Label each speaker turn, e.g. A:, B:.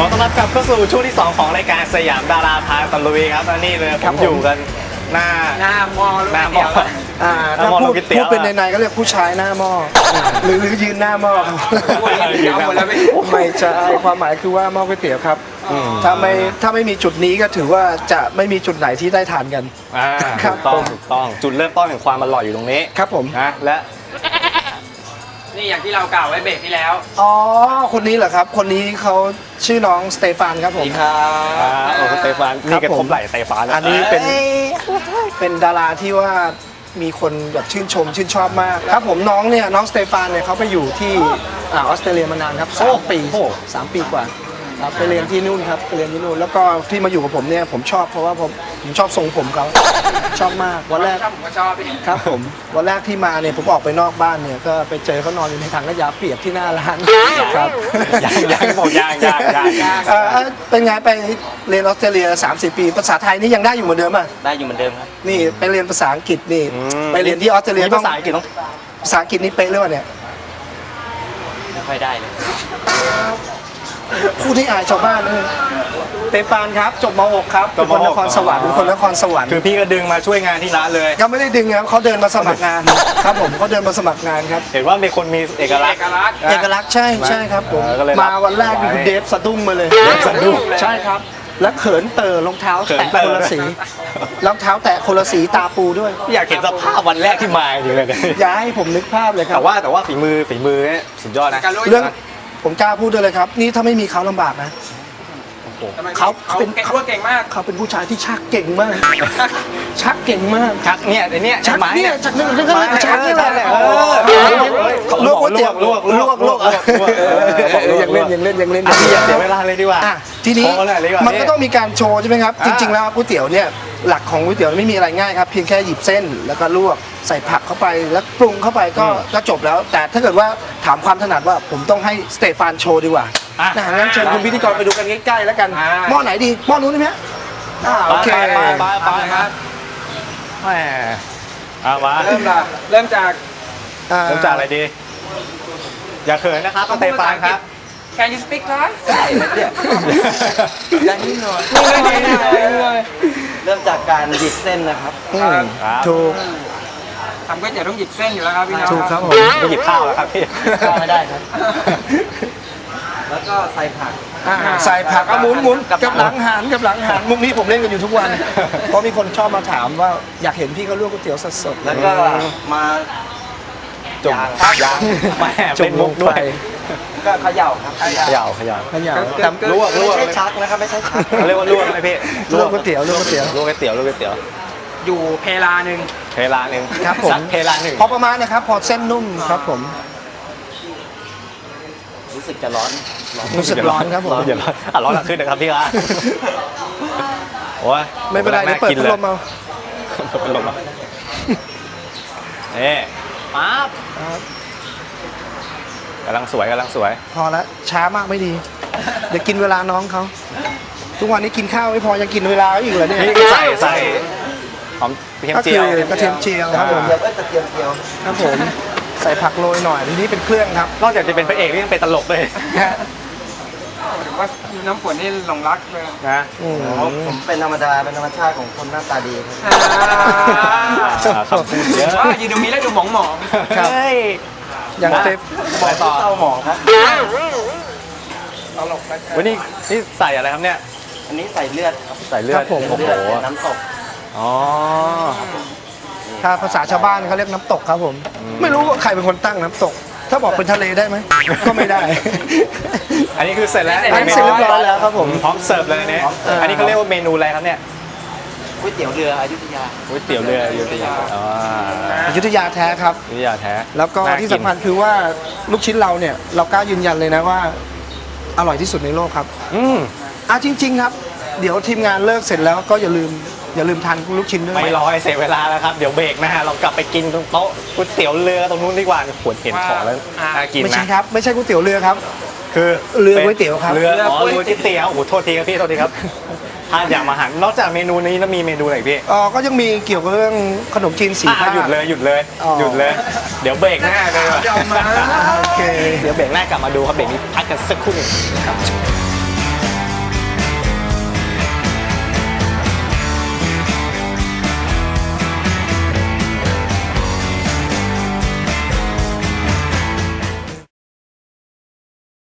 A: อต้อนรับกลับเข้าสู่ช่วงที่ 2 ของรายการสยามดาราพาตะลุยครับและนี่เลยผมอยู่กันหน้าม
B: อ
A: หน้ามอ
C: ถ้าพูดเป็นในๆก็เรียกผู้ชายหน้าหม้อหรือยืนหน้าหม้อครับไม่ใช่ความหมายคือว่าหม้อก๋วยเตี๋ยวครับถ้าไม่มีจุดนี้ก็ถือว่าจะไม่มีจุดไหนที่ได้ทานกัน
A: ถูกต้องจุดเริ่มต้นแห่งความอร่อยอยู่ตรงนี้
C: ครับผม
A: นะและ
B: นี่อย่างที่เรากล่าวไว้เบรกที่แล้ว
C: อ๋อคนนี้เหรอครับคนนี้เขาชื่อน้องสเตฟานครับผม
A: โอ้สเตฟานนี่กระทบไหล่สเตฟาน
C: อันนี้เป็นดาราที่ว่ามีคนแบบชื่นชมชื่นชอบมากครับผมน้องสเตฟานเนี่ยเขาไปอยู่ที่ออสเตรเลียมานานครับ3 ปี3 ปีกว่าครับไปเรียนที่นู่นครับไปเรียนที่นู่นแล้วก็ที่มาอยู่กับผมเนี่ยผมชอบเพราะว่าผมชอบทรงผมเขาชอบมากวันแรก
B: ผมก็ชอบ
C: ครับผมวันแรกที่มาเนี่ยผมออกไปนอกบ้านเนี่ยก็ไปเจอเขานอนอยู่ในถังขยะเปียกที่หน้าร้านครับ
A: ยังบอกยัง
C: เป็นไงไปเรียนออสเตรเลีย30 ปีภาษาไทยนี่ยังได้อยู่เหมือนเดิมอ่ะ
B: ได้อยู่เหมือนเดิมครับ
C: นี่ไปเรียนภาษาอังกฤษนี่ไปเรียนที่ออสเตรเลีย
A: ภาษาอังกฤษต้อง
C: ภาษาอังกฤษนี่เป๊ะเลยว่ะเนี่ย
B: ไม่ค่อยได้เลย
C: พูดที่อายชาวบ้านเลยเตฟานครับจบม .6 ครับเป็นคนนครสวรรค์
A: คือพี่ก็ดึงมาช่วยงานที่ร้านเลย
C: ก็ไม่ได้ดึงครับเขาเดินมาสมัครงานครับผมเขาเดินมาสมัครงานครับ
A: เห็นว่ามีคนมีเอกลักษณ์
C: ใช่ครับผมมาวันแรกนี่คือเดฟสะดุ้งมาเลยใช่ครับแล้วเขินเต๋อรองเท้าแตะคนละสีรองเท้าแตะคนละสีตาปูด้วย
A: อยากเห็นสภาพวันแรกที่มาอยู่เลย
C: อย่าให้ผมนึกภาพเลยครับ
A: แต่ว่าฝีมือสุดยอดนะ
C: เรื่องผมกล้าพูดด้วยเลยครับนี่ถ้าไม่มีเขาลำบากนะเขาเป็น
B: เก่งมาก
C: เขาเป็นผู้ชายที่ชักเก่งมากชักเก่งมาก
A: ชักเนี่ย
C: ชักเนี่ยชักนี่แหละลวกยังเล่น
A: พี่อย่าเสียเวลาเลยดีกว่า
C: ทีนี้มันก็ต้องมีการโชว์ใช่ไหมครับจริงๆแล้วก๋วยเตี๋ยวเนี่ยหลักของก๋วยเตี๋ยวไม่มีอะไรง่ายครับเพียงแค่หยิบเส้นแล้วก็ลวกใส่ผักเข้าไปแล้วปรุงเข้าไปก็จบแล้วแต่ถ้าเกิดว่าถามความถนัดว่าผมต้องให้สเตฟานโชว์ดีกว่างั้นเชิญคุณพิธีกรไปดูกันใกล้ๆแล้วกันหม้อไหนดีหม้อนู้นได้ไหมโอเค
A: ไปครับแหมมา
B: เริ่มจาก
A: อะไรดีอย่าเขินนะครับสเตฟานครับ
B: Can you speak Thai
C: ยังนิดหน่อย
D: เริ่มจากการหยิบเส้นนะครับ
C: ถูก
B: ทำก๋วยเตี๋ยวต้องหยิบเส้นอยู่แล้วครับพี่น้อง
C: ถูกครับผม
A: ไม่หยิบข้าวแล้วครับพี่
D: ข้าวไม่ได้ครับแล้วก็ใส่ผัก
C: ใส่ผักหมุนกับหลังหันมุกนี้ผมเล่นกันอยู่ทุกวันเพราะมีคนชอบมาถามว่าอยากเห็นพี่เขาลวกก๋วยเตี๋ยวสด
D: ๆแล้วก็มา
A: จุ่มยางแม่เป็นมุกด้วย
D: ก็เขย่าครับ
A: เขย่า
D: แต่ลวกไม่ใช่ชักนะครับไม่ใช่ชัก
A: เขาเรียกว่าลวกไหมพี่
C: ลวกก๋วยเตี๋ยว
B: อยู่เพลาหนึ่ง
C: ครับผม
A: เพลาหนึ่ง
C: พอประมาณนะครับพอเส้นนุ่มครับผม
D: รู้สึกจะร้อน
C: ครับผม
A: ร้อนขึ้นนะครับพี่ครับโอ้ย
C: ไม่เป็นไรเดี๋ยวเปิดพัดลมเอา
A: ปั๊บกำลังสวย
C: พอแล้วช้ามากไม่ดีเดี๋ยวกินเวลาน้องเขาทุกวันนี้กินข้าวไม่พอยังกินเวลาอีกเหรอเนี่ย
A: ใส่หอมกระเทียมเจียว
C: ครับผมครับผมใส่ผักโรยหน่อยทีนี้เป็นเครื่องครับ
A: นอกจากจะเป็นพระเอกนี่ยังเป็นตลกเลย
B: หรือว่าน้ำฝนนี่หลงรักเลย
A: นะ
D: ผมเป็นธรรมชาติของคนหน้าตาดี
A: ครับเยอะ
B: ยืนตรงนี้แล้วดูหมอง
C: ครับอย่างเต็ม
D: บอกต่อเศร้าหมองครับ
A: วันนี้ใส่อะไรครับเนี่ย
D: อันนี้ใส่เลือดครับ
A: ใส่เลือด
D: โอ้โหน้ำตก
C: ถ้าภาษาชาวบ้านเขาเรียกน้ำตกครับผมไม่รู้ว่าใครเป็นคนตั้งน้ำตกถ้าบอกเป็นทะเลได้ไหมก็ไม่ได้
A: อันนี้คือเสร็จแล้ว
C: เรียบร้อยแล้วครับผม
A: พร้อมเสิร์ฟเลยเนี่ยอันนี้เขาเรียกว่าเมนูอะไรครับเนี่ย
D: ก๋วยเตี๋ยวเรืออยุธยา
A: ก๋วยเตี๋ยวเรืออยุธยา
C: อยุธยาแท้ครับ
A: อยุธยาแท้
C: แล้วก็ที่สำคัญคือว่าลูกชิ้นเราเนี่ยเรากล้ายืนยันเลยนะว่าอร่อยที่สุดในโลกครับจริงๆครับเดี๋ยวทีมงานเลิกเสร็จแล้วก็อย่าลืมทานลูกชิ้นด้วย
A: ไม่รอให้เสียเวลาแล้วครับเดี๋ยวเบรกนะฮะเรากลับไปกินตรงโต๊ะก๋วยเตี๋ยวเรือตรงนู้นดีกว่าขวดเห็นของแล้วน่ากินนะ
C: ไม่ใช่ครับไม่ใช่ก๋วยเตี๋ยวเรือครับ
A: คือ
C: เรือก๋วยเตี๋ยวครับ
A: เรือก๋วยเตี๋ยวโอ้โหโทษทีครับพี่โทษทีครับทานอย่างอาหารนอกจากเมนูนี้แล้วมีเมนูอะไรพี่
C: ก็ยังมีเกี่ยวกับเรื่องขนมจีนสีผ้า
A: หยุดเลยเดี๋ยวเบรกหน้าเลย
C: โอเค
A: เดี๋ยวเบรกหน้ากลับมาดูครับเบรกนี้พักกันสักครู่นึงครับ